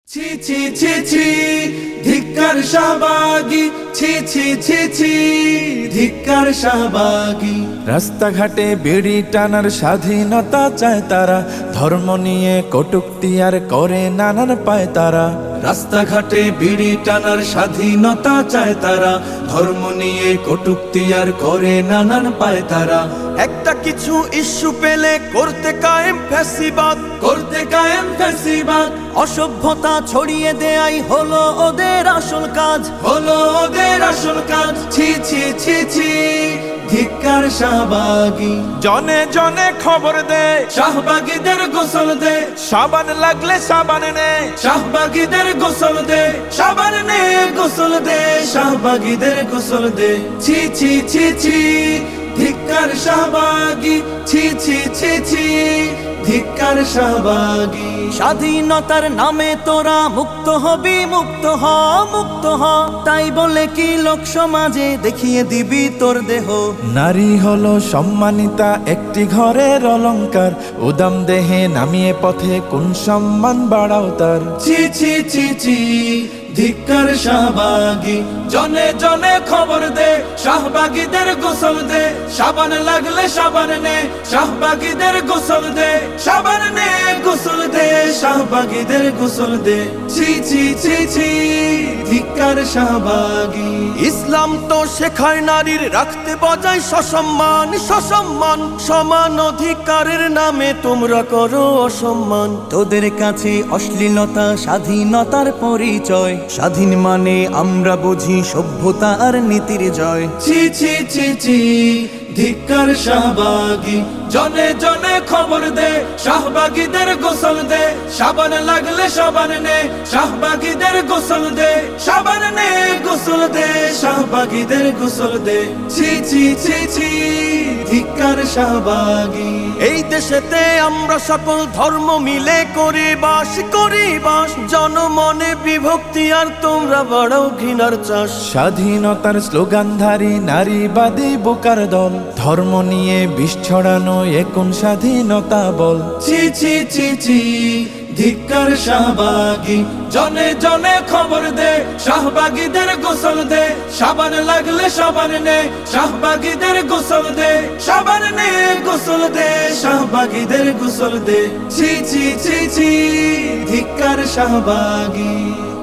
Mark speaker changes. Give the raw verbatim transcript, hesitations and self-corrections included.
Speaker 1: ছি ছি ছি ছি ধিক্কার শাহবাগী, ছি ছি ছি ছি ধিক্কার শাহবাগী।
Speaker 2: রাস্তাঘাটে বিড়ি টানার স্বাধীনতা চায় তারা, ধর্ম নিয়ে কটূক্তি আর করে নানান পায় তারা।
Speaker 1: রাস্তাঘাটে বিড়ি টানার স্বাধীনতা চায় তারা, ধর্ম নিয়ে কটূক্তি আর করে নানান পায় তারা।
Speaker 3: একটা কিছু ইস্যু পেলে করতে কায়েম ফ্যাসিবাদ,
Speaker 1: করতে কায়েম ফ্যাসিবাদ।
Speaker 3: অসভ্যতা ছড়িয়ে দেয়াই হলো ওদের আসল কাজ,
Speaker 1: হলো ওদের আসল কাজ। ছি ছি ছি ছি ধিক্কার শাহবাগী।
Speaker 2: জনে জনে খবর দে,
Speaker 1: শাহবাগীদের গোসল দে,
Speaker 2: সাবান লাগলে সাবান নে।
Speaker 1: শাহবাগীদের গোসল দে, সাবান নে গোসল দে, শাহবাগীদের গোসল দে। ছি ছি ছি ছি ধিক্কার শাহবাগী, ছি ছি ছি ছি ধিক্কার শাহবাগী।
Speaker 3: স্বাধীনতার নামে তোরা মুক্ত হবি, মুক্ত হ মুক্ত হ, তাই বলে কি লোক সমাজে দেখিয়ে দিবি তোর দেহ।
Speaker 2: নারী হলো সম্মানিতা একটি ঘরের অলংকার, উদাম দেহে নামিয়ে পথে কোন সম্মান বাড়াও তার।
Speaker 1: ছি ছি ছি ছি ধিক্কার শাহবাগী। জনে জনে খবর দে, শাহবাগীদের গোসল দে, সাবান লাগলে সাবান নে, শাহবাগীদের গোসল দে, সাবান নে গোসল দে, শাহবাগীদের গোসল দে। ছি ছি ছি ছি ধিক্কার শাহবাগী।
Speaker 3: ইসলাম তো শেখায় নারীর রাখতে বজায় সসম্মান, সসম্মান। সমান অধিকারের নামে তোমরা করো অসম্মান। তোদের কাছে অশ্লীলতা স্বাধীনতার পরিচয়, স্বাধীন মানে আমরা বুঝি সভ্যতা আর নীতির জয়।
Speaker 1: ছি ছি ছি ছি ধিক্কার শাহবাগী। জনে জনে খবর দে, শাহবাগীদের গোসল দে, সাবান লাগলে সাবান নে, শাহবাগীদের গোসল দে, সাবান নে গোসল দে, শাহবাগীদের গোসল দে। ছি ছি ছি ছি ধিক্কার শাহবাগী।
Speaker 3: এই দেশেতে আমরা সকল ধর্ম মিলে করি বাস, করি বাস। জনমনে বিভক্তি আর তোমরা বাড়াও ঘৃণার চাষ।
Speaker 2: স্বাধীনতার স্লোগানধারী নারীবাদী বোকার দল, ধর্ম নিয়ে বিষ ছড়ানো এখন স্বাধীনতা বল।
Speaker 1: ছি ছি ছি ছি ধিক্কার শাহবাগী। জনে জনে খবর দে, শাহবাগীদের গোসল দে, সাবান লাগলে সাবান নে, শাহবাগীদের গোসল দে, সাবান নে গোসল দে, শাহবাগীদের গোসল দে। ছি ছি ছি ছি ধিক্কার শাহবাগী।